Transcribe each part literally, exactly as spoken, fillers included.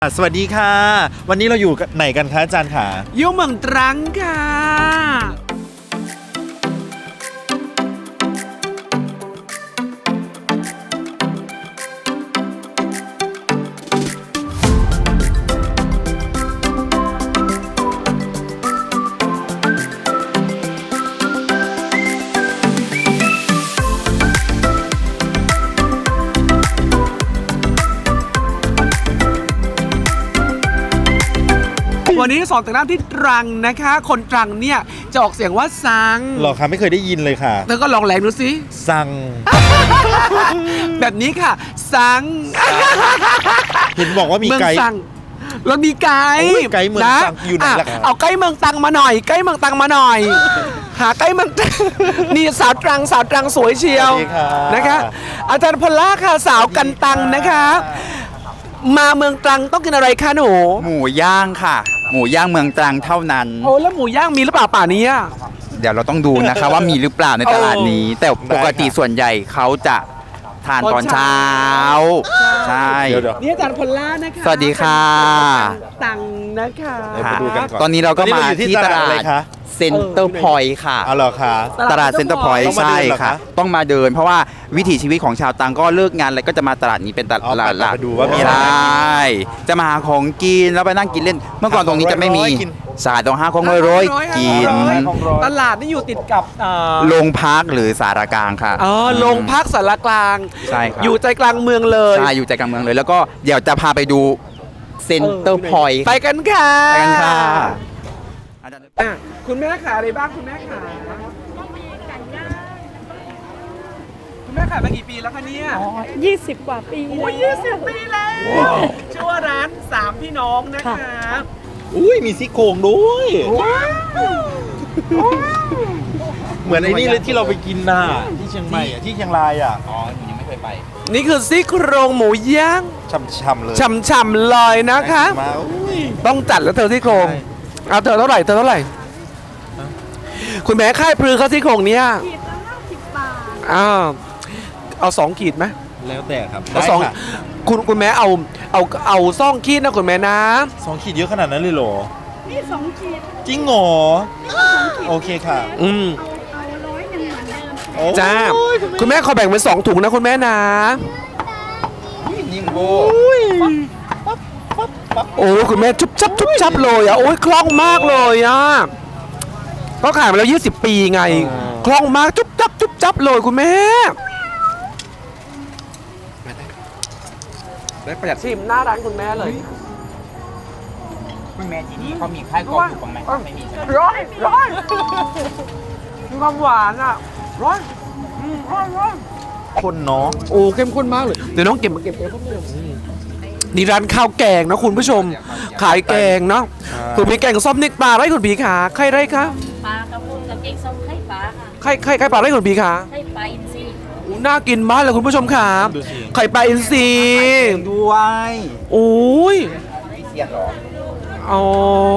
สวัสดีค่ะวันนี้เราอยู่ไหนกันคะอาจารย์ขาอยู่เมืองตรังค่ะวันนี้สอนแต่งหน้าที่ตรังนะคะ คนตรังเนี่ยจะออกเสียงว่าซังหรอคะไม่เคยได้ยินเลยค่ะเธอก็ลองแหลงดูสิซังแบบนี้ค่ะซังเห็นบอกว่ามีไกด์เรามีไกด์ไกด์เมืองตังอยู่ไหนล่ะเอาไกด์เมืองตังมาหน่อยไกด์เมืองตังมาหน่อยหาไกด์เมืองนี่สาวตรังสาวตรังสวยเชียวนะคะอาจารย์พลล่าค่ะสาวกันตังนะคะมาเมืองตรังต้องกินอะไรคะหนูหมูย่างค่ะหมูย่างเมืองตรังเท่านั้นโอ้แล้วหมูย่างมีหรือเปล่าป่านี้เดี๋ยวเราต้องดูนะคะว่ามีหรือเปล่าในตลาดนี้แต่ปกติส่วนใหญ่เขาจะทานตอนเช้าใช่นี่อาจารย์พลล่านะคะสวัสดีค่ะตังนะคะตอนนี้เราก็มาที่ตลาดเซ็นเตอร์พอยต์ค่ะอ๋อเหรอคะตลาดเซ็นเตอร์พอยต์ใช่ค่ะต้องมาเดินเพราะว่าวิถีชีวิตของชาวตังก็เลิกงานแล้วก็จะมาตลาดนี้เป็นตลาดหลักดูว่ามีอะไรใช่จะมาหาของกินแล้วไปนั่งกินเล่นเมื่อก่อนตรงนี้จะไม่มีสายตรงห้าของร้อยกินตลาดนี่อยู่ติดกับโรงพักหรือสารกลางค่ะอ๋อโรงพักสารกลางใช่ครับอยู่ใจกลางเมืองเลยใช่อยู่ใจกลางเมืองเลยแล้วก็เดี๋ยวจะพาไปดูเซ็นเตอร์พอยต์ไปกันค่ะไปกันค่ะคุณแม่ขาอะไรบ้างคุณแม่ขาคุณแม่ขายมากี่ปีแล้วคะเนี่ยอ๋อยี่สิบกว่าปีโอ้ยยี่สิบปีแล้วชื่อว่าร้านสามพี่น้องนะคะอุ้ยมีซี่โครงด้วยเหมือนไอ้นี่เลยที่เราไปกินน่ะที่เชียงใหม่อ่ะที่เชียงรายอ่ะอ๋อหนูยังไม่เคยไปนี่คือซี่โครงหมูย่างช่ำๆเลยช่ำๆเลยนะคะต้องจัดแล้วเธอซี่โครงเอาเธอเท่าไหร่เธอเท่าไหร่คุณแม่ค่ายพลือเขาซี่โครงเนี้ยขีดละห้าสิบบาทอ้าวเอาสองขีดไหมแล้วแต่ครับเอาสองคุณคุณแม่เอาเอาเอาซ่องขีดนะคุณแม่นะสองขีดเยอะขนาดนั้นเลยเหรอนี่สองขีดจริงเหรอโอเคค่ะอืมเอาร้อยหนึ่งเหมือนเดิมจ้าคุณแม่ขอแบ่งเป็นสองถุงนะคุณแม่นะนิ่มโบโอ้คุณแม่ชุบชับชุบชับเลยอ่ะโอ้ยคล่องมากเลยอ่ะก็ขายมาแล้วยี่สิบปีไงคล่องมากจุ๊บจับจุ๊บจับเลยคุณแม่ได้ประหยัดชิมหน้าร้านคุณแม่เลยคุณแม่ที่นี่เขามีค่ายกองอยู่บ้างไหมไม่มีร้อยร้อยมีความหวานอ่ะร้อยร้อยร้อยคนเนาะโอ้เข้มข้นมากเลยเดี๋ยวน้องเก็บมาเก็บเองนี่ร้านข้าวแกงนะคุณผู้ชมขายแกงเนาะคุณมีแกงส้มนิกปลาไรคุณผีขาใครไรคะปลากระพงกับแกงส้มไข่ปลาค่ะไข่ไข่ไข่ปลาไรคุณผีขาไข่ปลาอินทรีน่ากินมากเลยคุณผู้ชมค่ะไข่ปลาอินทรีด้วยโอ้ยอ๋อ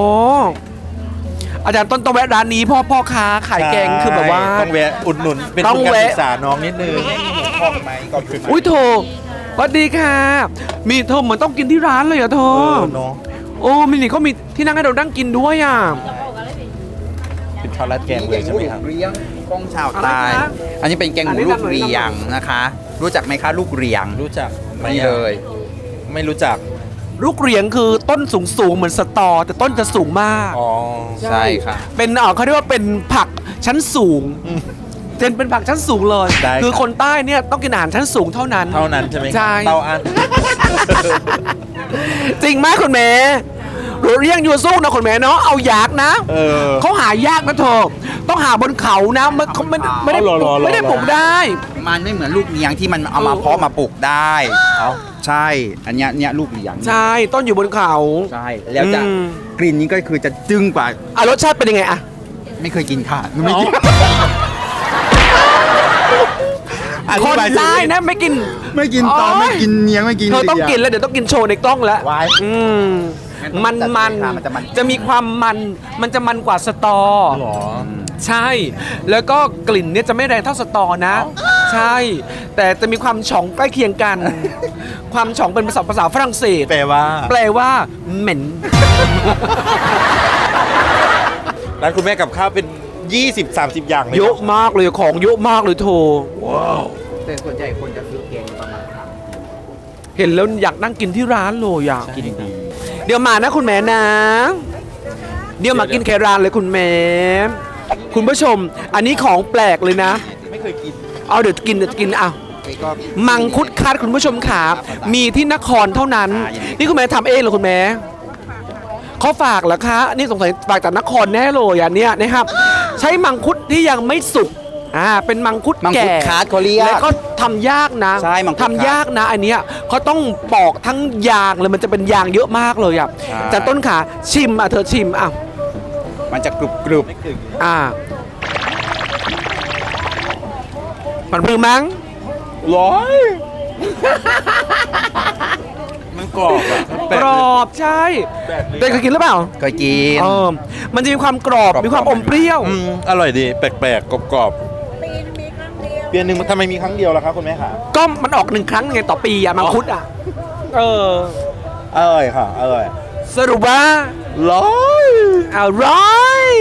อาจารย์ต้นต้องแวะร้านนี้พ่อพ่อค้าขายแกงคือแบบว่าต้องแวะอุดหนุนเป็นทุนการศึกษาน้องนิดนึงพอกไหมก็คืออุ้ยโถสวัสดีค่ะมีเธอเหมือนต้องกินที่ร้านเลยอ่ะเธอโอ้มินี่เขามีที่นั่งให้เรานั่งกินด้วยอ่ะเป็นข้าวราดแกงเลยใช่ไหมครับเรียงกงชาวใต้อันนี้เป็นแกงหมูลูกเรียงนะคะรู้จักไหมคะลูกเรียงรู้จักไม่เลยไม่รู้จักลูกเรียงคือต้นสูงสูงเหมือนสตอแต่ต้นจะสูงมากอ๋อใช่ค่ะเป็นเออเขาเรียกว่าเป็นผักชั้นสูงเจนเป็นผักชั้นสูงเลยคือคนใต้เนี่ยต้องกินอาหารชั้นสูงเท่านั้นเท่านั้นใช่ไหมใช่เตาอันจริงไหมคุณแม่รู้เรียงอยู่สู้นะคุณแม่เนาะเอายากนะเขาหายากนะเธอต้องหาบนเขานะมันเขาไม่ไม่ได้ไม่ได้ปลูกได้มันไม่เหมือนลูกเลี้ยงที่มันเอามาเพาะมาปลูกได้ใช่อันเนี้ยเนี้ยลูกเลี้ยงใช่ต้นอยู่บนเขาใช่แล้วจะกลิ่นนี้ก็คือจะจึ้งกว่าอ่ะรสชาติเป็นยังไงอ่ะไม่เคยกินค่ะไม่กินคนได้นะไม่กินไม่กินตอนไม่กินเนี้ยไม่กินเธอต้องกินแล้วเดี๋ยวต้องกินโชว์ในกล้องแล้วอืมมันมันจะมีความมันมันจะมันกว่าสตอใช่แล้วก็กลิ่นเนี่ยจะไม่แรงเท่าสตอนะใใช่ แต่จะมีความฉ่องใกล้เคียงกัน ความฉ่องเป็นภาษาภาษาฝรั่งเศสแปลว่าแปลว่าเหม็นร้านคุณแม่กับข้าวเป็น ยี่สิบสามสิบ อย่างเลยเยอะมากเลยของเยอะมากเลยโทแต่ส่วนใหญ่คนจะซื้อแกงประมาณสามเห็นแล้วอยากนั่งกินที่ร้านเลยอยากกินดีเดี๋ยวมานะคุณแม่นะ เดี๋ยวมากินแครานเลยคุณแม่ คุณผู้ชม อันนี้ของแปลกเลยนะไม่เคยกินเอาเดี๋ยวกินเดี๋ยวกินอ่ะนี่ก็มังคุดคัดคุณผู้ชมขามีที่นครเท่านั้น นี่คุณแม่ทำเองเหรอคุณแม่เขาฝากเหรอคะ นี่สงสัยฝากจากนครแน่เลยอันเนี้ยนะครับ ใช้มังคุดที่ยังไม่สุกอ่าเป็นมังคุดมังคุดแก่คาร์ดเขาเรียกแล้วก็ทำยากนะใช่มังคุดทำยากนะอันเนี้ยเขาต้องปอกทั้งยางเลยมันจะเป็นยางเยอะมากเลยอ่ะใช่จากต้นขาชิมอ่ะเธอชิมอ่ะมันจะกรุบกรุบอ่ามันพรึงมั้งร้อย มันกรอบอะแปลกรอบใช่แปลกเลยเด็กเคยกินหรือเปล่าเคยกินเออมันจะมีความกรอบกรอบมีความอมเปรี้ยวอืมอร่อยดี แปลกๆ กรอบปีนมีครั้งเดียวๆ เปียนหนึ่งมันทำไมมีครั้งเดียวล่ะครับคุณแม่ขาก็มันออกหนึ่งครั้งไงต่อปีอะมังคุดอะเอออร่อยค่ะ อร่อยสรุปว่าร้อยอร่อย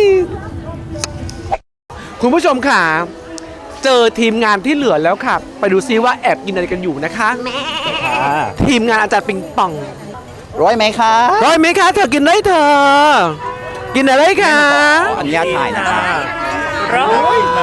คุณผู้ชมค่ะ เจอทีมงานที่เหลือแล้วค่ะ ไปดูซิว่าแอบกินอะไรกันอยู่นะคะค่ะทีมงานอาจารย์ปิงปองร้อยไหมคะร้อยไหมคะเธอกินได้เธอ กินอะไรคะขออนุญาตถ่ายนะคะร้อยมา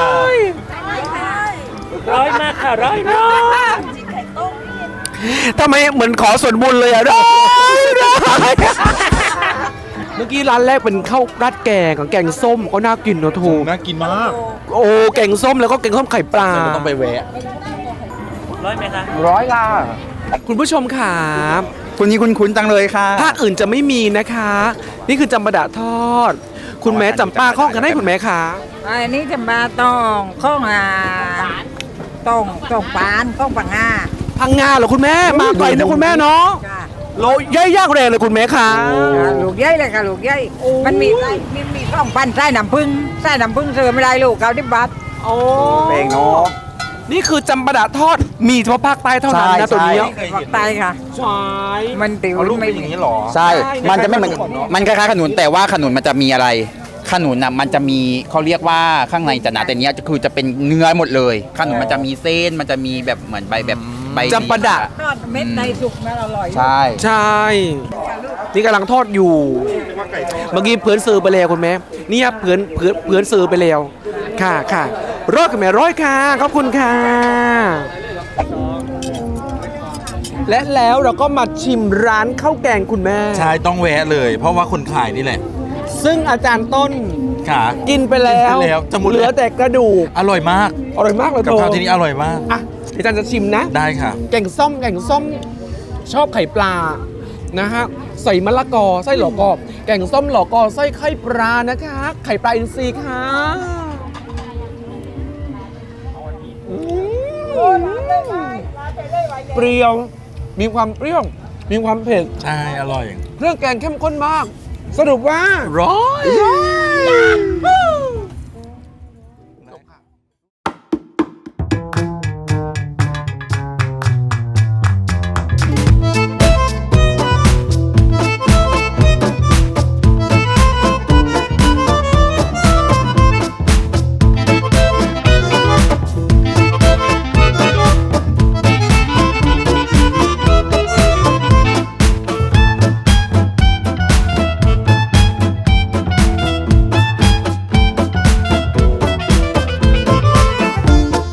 ร้อยมากค่ะร้อยร้อยทำไมเหมือนขอส่วนบุญเลยอะร้อยร้อยเมื่อกี้ร้านแรกเป็นข้าวราดแกงกับแกงส้มก็น่ากินเนอะทูน่ากินมากโอ้แกงส้มแล้วก็แกงส้มไข่ปลาเราต้องไปแวะร้อยค่ะคุณผู้ชมค่ะคุณนี้คุ้นๆจังเลยค่ะภาคอื่นจะไม่มีนะคะ นี่คือจำปาดะทอด คุณแม่จำปาข้องกันให้คุณแม่ค่ะอันนี้จะมาต้องข้องอ่าต้องต้องปานข้องปังงาพังงาเหรอคุณแม่มาไกลนะคุณแม่เนาะจ้ะโลย่อยยากแรงเลยคุณแม่ค่ะอ่าลูกใหญ่เลยค่ะลูกใหญ่โอ้มันมีไส้มีมีข้องปันไส้น้ำผึ้งไส้น้ำผึ้งเสือไม่ได้ลูกเกาดิบบาทโอ้เพลงเนาะนี่คือจำปาดะทอดมีเฉพาะภาคใต้เท่านั้นใช่นะตัวนี้ใช่ภาคใต้ค่ะใช่มันติวเอาลูกไม่เป็นอย่างนี้เหรอใช่ใช่มันจะไม่เหมือนคล้ายๆขนมมันคล้ายๆขนุนแต่ว่าขนุนมันจะมีอะไร ขนุนน่ะมันจะมีเขาเรียกว่าข้างในจะหนาแต่เนี้ยคือจะเป็นเนื้อหมดเลย ขนุนมันจะมีเส้น มันจะมีแบบเหมือนใบแบบใบจำปาดะทอดเม็ดในสุกนะอร่อยใช่ใช่ นี่กำลังทอดอยู่ เมื่อกี้เพื่อนซื้อไปแล้วคุณแม่เนี่ยเพื่อนเพื่อนเพื่อนซื้อไปแล้ว ค่ะค่ะร้อยค่ะแม่ร้อยค่ะขอบคุณค่ะ และแล้วเราก็มาชิมร้านข้าวแกงคุณแม่ใช่ ต้องแวะเลย เพราะว่าคนขายนี่แหละซึ่งอาจารย์ต้นค่ะกินไปแล้วกินไปแล้วจะหมดแล้วเหลือแต่กระดูกอร่อยมากอร่อยมากเลยกับโตข้าวที่นี่อร่อยมากอ่ะเดี๋ยวอาจารย์จะชิมนะได้ค่ะแกงส้มแกงส้มชอบไข่ปลานะฮะใส่มะละกอไส้หลอกอแกงส้มหลอกอไส้ไข่ปลานะคะ ไข่ปลาอินทรีย์ค่ะอืมเปรี้ยวมีความเปรี้ยวมีความเผ็ดใช่ อร่อยเครื่องแกงเข้มข้นมาก สรุปว่าร้อยร้อย